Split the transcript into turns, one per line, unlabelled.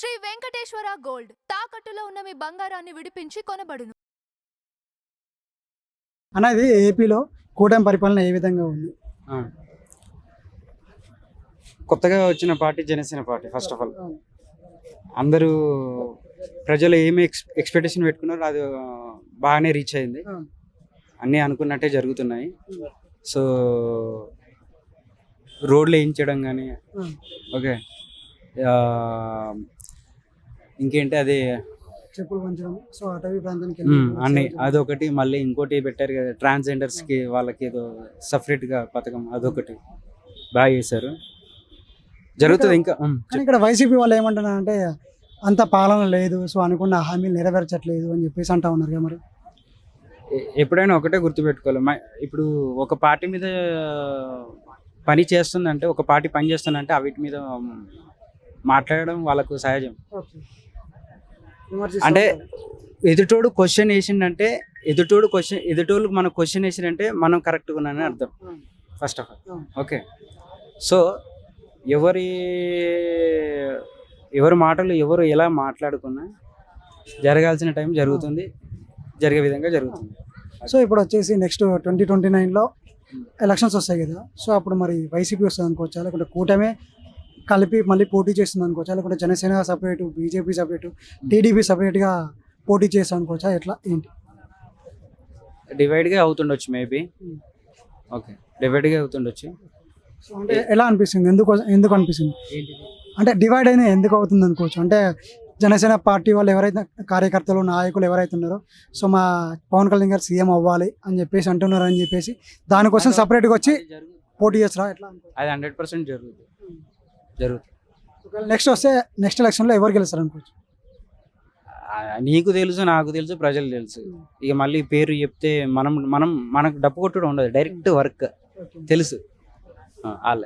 Shri Venkateswara gold తాకట్టులో ఉన్న మీ బంగారాన్ని విడిపించి కొనబడును.
అనేది ఏపీలో కూటమి పరిపాలన ఏ విధంగా ఉంది?
ఆ. కొత్తగా వచ్చిన party Janasena party. First of all అందరూ ప్రజలు ఏమి ఎక్స్పెక్టేషన్ పెట్టుకున్నారో అది బాగానే రీచ్ అయింది. అన్నీ అనుకున్నట్టే జరుగుతున్నాయి. సో రోడ్లు వేయించడం కానీ ఓకే, ఇంకేంటి అది
చెప్పులు పంచడం, సో అటవీ ప్రాంతానికి
అన్నీ అదొకటి. మళ్ళీ ఇంకోటి పెట్టారు కదా, ట్రాన్స్జెండర్స్కి వాళ్ళకి ఏదో సపరేట్గా పథకం, అదొకటి బాగా చేశారు. జరుగుతుంది ఇంకా.
కానీ ఇక్కడ వైసీపీ వాళ్ళు ఏమంటున్నారు అంటే అంత పాలన లేదు, సో అనుకున్న హామీలు నెరవేర్చట్లేదు అని చెప్పేసి అంటా ఉన్నారు కదా. మరి
ఎప్పుడైనా ఒకటే గుర్తుపెట్టుకోవాలి, ఇప్పుడు ఒక పార్టీ మీద పని చేస్తుందంటే, ఒక పార్టీ పని చేస్తుందంటే వీటి మీద మాట్లాడడం వాళ్ళకు సహజం. అంటే ఎదుటోడు క్వశ్చన్ వేసిండంటే, ఎదుటోళ్ళు మన క్వశ్చన్ వేసిందంటే మనం కరెక్ట్గా ఉన్నానని అర్థం. First of all okay. So ఎవరి మాటలు ఎవరు ఎలా మాట్లాడుకున్నా జరగాల్సిన టైం జరుగుతుంది, జరిగే విధంగా జరుగుతుంది.
సో ఇప్పుడు వచ్చేసి నెక్స్ట్ 2029లో ఎలక్షన్స్ వస్తాయి కదా, సో అప్పుడు మరి వైసీపీ వస్తుంది అనుకోవచ్చా, లేకుంటే కూటమే కలిపి మళ్ళీ పోటీ చేస్తుంది అనుకోవచ్చా, లేకుంటే Janasena separate, BJP separate, TDP సపరేట్గా పోటీ చేస్తాం అనుకోవచ్చా, ఎట్లా ఏంటి?
డివైడ్గా అవుతుండొచ్చు మేబీ. ఓకే, డివైడ్గా అవుతుండొచ్చు.
సో అంటే ఎలా అనిపిస్తుంది, ఎందుకు అనిపిస్తుంది అంటే డివైడ్ అయినా ఎందుకు అవుతుంది అనుకోవచ్చు? అంటే జనసేన పార్టీ వాళ్ళు ఎవరైతే కార్యకర్తలు నాయకులు ఎవరైతే ఉన్నారో, సో మా పవన్ కళ్యాణ్ గారు సీఎం అవ్వాలి అని చెప్పేసి అంటున్నారు అని చెప్పేసి దానికోసం సపరేట్గా వచ్చి పోటీ చేస్తారా ఎట్లా?
అది 100% జరుగుతుంది.
నెక్స్ట్ ఎలక్షన్లో ఎవరు గెలుస్తారు అనుకోవచ్చు?
నీకు తెలుసు, నాకు తెలుసు, ప్రజలు తెలుసు. ఇక మళ్ళీ పేరు చెప్తే మనకు డప్పు కొట్టడం ఉండదు, డైరెక్ట్ వర్క్ తెలుసు.